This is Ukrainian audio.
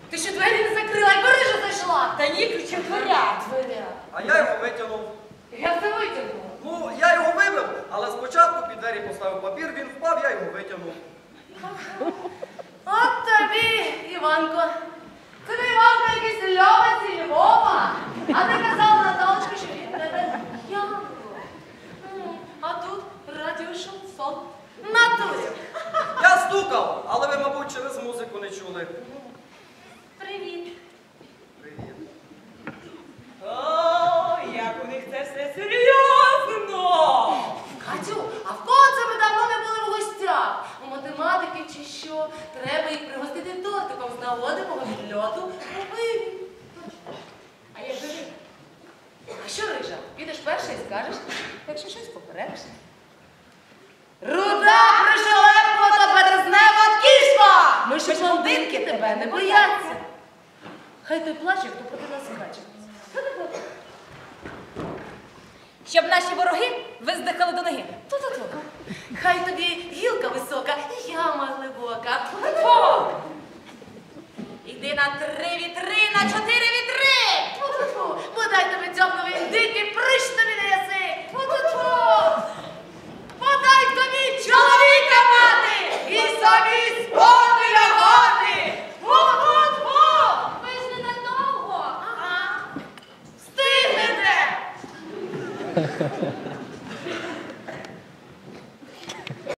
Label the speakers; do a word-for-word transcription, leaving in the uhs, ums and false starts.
Speaker 1: Ти що двері не закрила і Парижа зайшла?
Speaker 2: Та ні, ключі дверя.
Speaker 1: Дверя.
Speaker 3: А я його витягнув.
Speaker 1: Як це витягнула?
Speaker 3: Ну, я його вибив, але спочатку під двері поставив папір, він впав, я його витягнув.
Speaker 1: От тобі, Іванко. Тобі, Іванко, якийсь Льова зі Львова. А ти казала, Наталочка, що він тебе Янко. А тут радіошансон. Натурі.
Speaker 3: Я стукав, але ви, мабуть, через музику не чули.
Speaker 1: Привіт.
Speaker 3: Привіт.
Speaker 2: О, як у них це все серйозно.
Speaker 1: Катю, а в кого це ми давно не були в гостях? У математики чи що? Треба їх пригостити тортиком з нагоди мого відльоту у Києві. А я жив. А що, Рижа, підеш перша і скажеш, якщо щось попередиш? Руда пришелепкувата березнева кішка! Ми ж блондинки тебе не бояться. Хай той плаче, хто проти нас скаче.
Speaker 4: Щоб наші вороги виздихали до ноги.
Speaker 1: Ту-ту-ту.